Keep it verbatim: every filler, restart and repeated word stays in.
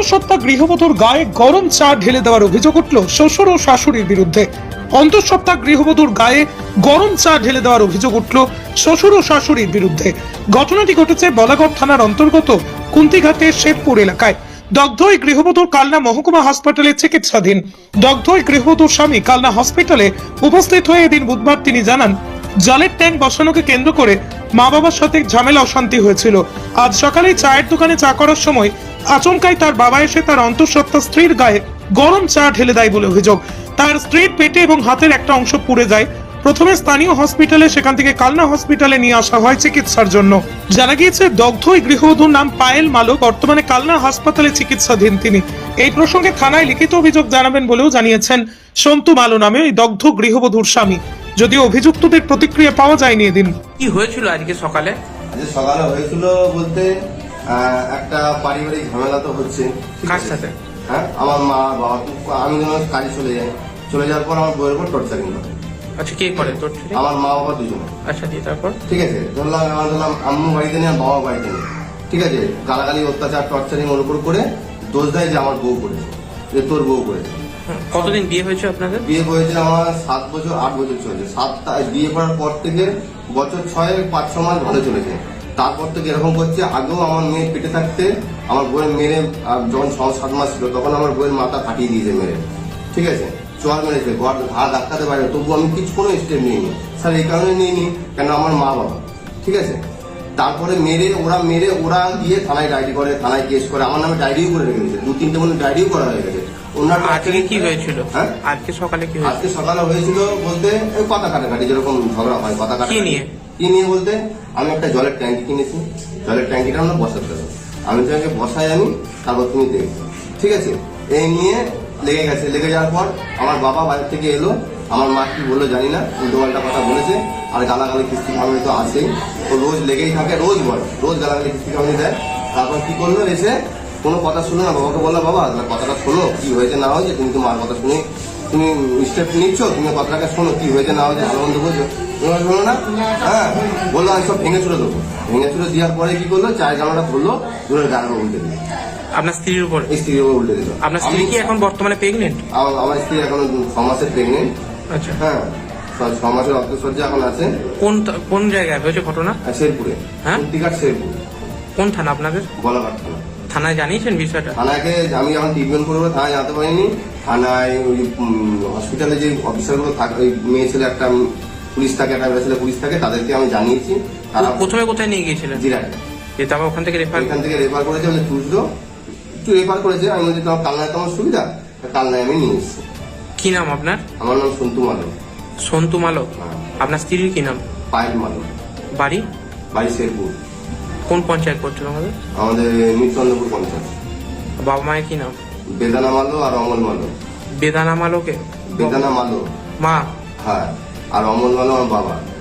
অন্তঃসত্ত্বা গৃহবধূর গায়ে গরম চা ঢেলে দেওয়ার অভিযোগ উঠল শ্বশুর ও শাশুড়ির বিরুদ্ধে। অন্তঃসত্ত্বা গৃহবধূর গায়ে গরম চা ঢেলে দেওয়ার অভিযোগ উঠল শ্বশুর ও শাশুড়ির বিরুদ্ধে। ঘটনাটি ঘটেছে বলাগড় থানার অন্তর্গত কুন্তিঘাটের শেরপুর এলাকায়। দগ্ধ ওই গৃহবধূর কালনা মহকুমা হাসপাতালে চিকিৎসাধীন। দগ্ধ ওই গৃহবধূর স্বামী কালনা হসপিটালে উপস্থিত হয়ে এদিন বুধবার তিনি জানান, জলের ট্যাঙ্ক বসানোকে কেন্দ্র করে মা বাবার সাথে ঝামেলা অশান্তি হয়েছিল। আজ সকালে চায়ের দোকানে চা করার সময় আচমকাই তার বাবা এসে তার অন্তঃসত্ত্বা স্ত্রীর গায়ে গরম চা ঢেলে দেয় বলে অভিযোগ। তার স্ত্রীর পেটে এবং হাতের একটা অংশ পুড়ে যায়। প্রথমে স্থানীয় হসপিটালে, সেখান থেকে কালনা হসপিটালে নিয়ে আসা হয় চিকিৎসার জন্য। জানা গিয়েছে দগ্ধ ওই গৃহবধূর নাম পায়েল মালো, বর্তমানে কালনা হাসপাতালে চিকিৎসাধীন তিনি। এই প্রসঙ্গে থানায় লিখিত অভিযোগ জানাবেন বলেও জানিয়েছেন সন্তু মালো নামে ওই দগ্ধ গৃহবধূর স্বামী। যদিও অভিযুক্তদের প্রতিক্রিয়া পাওয়া যায়নি এদিন। কি হয়েছিল আজকে সকালে? আজকে সকালে হয়েছিল বলতে একটা পারিবারিক ঝামেলা তো হচ্ছে। কার সাথে? হ্যাঁ, আমার মা বাবা, আমি যখন কাজে চলে যাই, চলে যাওয়ার পর আমার বউয়ের উপর টর্চারিং করে। আচ্ছা, কে করে টর্চারিং? আমার মা বাবা দুজনে। আচ্ছা, দিয়ে তারপর? ঠিক আছে, ধরলাম আমার ধরলাম আম্মু বাড়িতে নেই আর বাবা বাড়িতে নেই। ঠিক আছে, গালাগালি অত্যাচার টর্চারিং ওর উপর করে দোষ দেয় যে আমার বউ করেছে, যে তোর বউ করেছে। কতদিন বিয়ে হয়েছে আপনাদের? বিয়ে হয়েছে আমার সাত বছর আট বছর চলেছে। সাতটা বিয়ে করার পর থেকে বছর ছয় পাঁচ ছ মাস ভালো চলেছে। তারপর থেকে এরকম করছে। আগেও আমার মেয়ে পেটে থাকতে আমার বইয়ের মেরে, যখন ছ সাত মাস ছিল তখন আমার বইয়ের মাথা ফাটিয়ে দিয়েছে মেরে। ঠিক আছে, চোয়ার মেরেছে, ঘা ধাক্কাতে পারে, তবু আমি কিছু কোনো স্টেপ নিইনি স্যার। এই কারণে নিইনি কেন আমার মা বাবা। ঠিক আছে, তারপরে মেরে ওরা মেরে ওরা গিয়ে থানায় ডায়েরি করে, থানায় কেস করে, আমার নামে ডায়েরিও করে রেখে দিয়েছে। দু তিনটে মনে ডায়েরিও করা হয়ে গেছে। আজকে কি হয়েছিল? হ্যাঁ, আজকে সকালে কি হয়েছিল? আজকে সকালে হয়েছিল বলতে কথা কাটাকাটি, যেরকম ঝগড়া হয় কথা কাটাকাটি। কি নিয়ে? কি নিয়ে বলতে আমি একটা জলের ট্যাঙ্কি কিনেছি, জলের ট্যাঙ্কিটা আমরা বসাতে হবে, আমি তোমাকে বসাই আমি, তারপর তুমি দেখবে। ঠিক আছে, এই নিয়ে লেগে গেছে। লেগে যাওয়ার পর আমার বাবা বাইরে থেকে এলো, আমার মা কি বললো জানি না, উল্টো পাল্টা কথা বলেছে। আর গালাগালি কিস্তি খাওয়ানি তো আসেই, ও রোজ লেগেই থাকে, রোজ বলে, রোজ গালাগালি কিস্তি খাওয়ানি দেয়। তারপর কি করলো, এসে কোনো কথা শুনে না, বাবাকে বললো বাবা কথাটা শোনো, কি হয়েছে না হয়েছে, তুমি তো মার কথা শুনে তুমি স্টেপ নিচ্ছ, তুমি কথাটাকে শোনো, কি হয়েছে না হয়েছে, ভালো মন্দ বলছো, তুমি শোনো না। হ্যাঁ, বললো আমি সব ভেঙে চুড়ে দেবো। ভেঙে চুড়ে দেওয়ার পরে কি করলো, চায়ের জামাটা ধরলো, দূরের গায়ে উল্টে দিল। আপনার স্ত্রীর উপর? স্ত্রীর উপর উল্টে দিল। আপনার স্ত্রী কি এখন বর্তমানে প্রেগনেন্ট? আমার স্ত্রী এখন ছ মাসের প্রেগনেন্ট। আচ্ছা, হ্যাঁ, ছ মাসের অন্তঃসজ্জা এখন আছে। কোন কোন জায়গায় হয়েছে ঘটনা? শেরপুরে। হ্যাঁ, কুন্তিঘাট শেরপুর। কোন থানা আপনাদের? বলাঘাট থানা। থানায় জানিয়েছেন বিষয়টা? থানাকে আমি যখন ট্রিটমেন্ট করবো থানায় জানতে পারিনি। থানায় ওই হসপিটালে যে অফিসারগুলো থাকে, ওই মেয়ে ছেলে একটা পুলিশ থাকে, একটা মেয়ে ছেলে পুলিশ থাকে, তাদেরকে আমি জানিয়েছি। তারা প্রথমে কোথায় নিয়ে গিয়েছিলেন? জিরাটে। তারপর ওখান থেকে রেফার? এখান থেকে রেফার করেছে, বলে চুজলো একটু রেফার করেছে। আমি বলছি তোমার কালনায় তোমার সুবিধা, কালনায় আমি নিয়ে এসেছি। কি নাম আপনার? আমার নাম সন্তু মালো। সন্তু মালো। হ্যাঁ। আপনার স্ত্রীর কি নাম? পায়েল মালো। বাড়ি? বাড়ি শেরপুর। কোন পঞ্চায়েত করছিল আমাদের? আমাদের মিরচন্দ্রপুর পঞ্চায়েত। বাবা মায়ের কি নাম? বেদানা মালো আর অমল মালো। বেদানা মালোকে? বেদানা মালো মা? হ্যাঁ, আর অমল মালো আমার বাবা।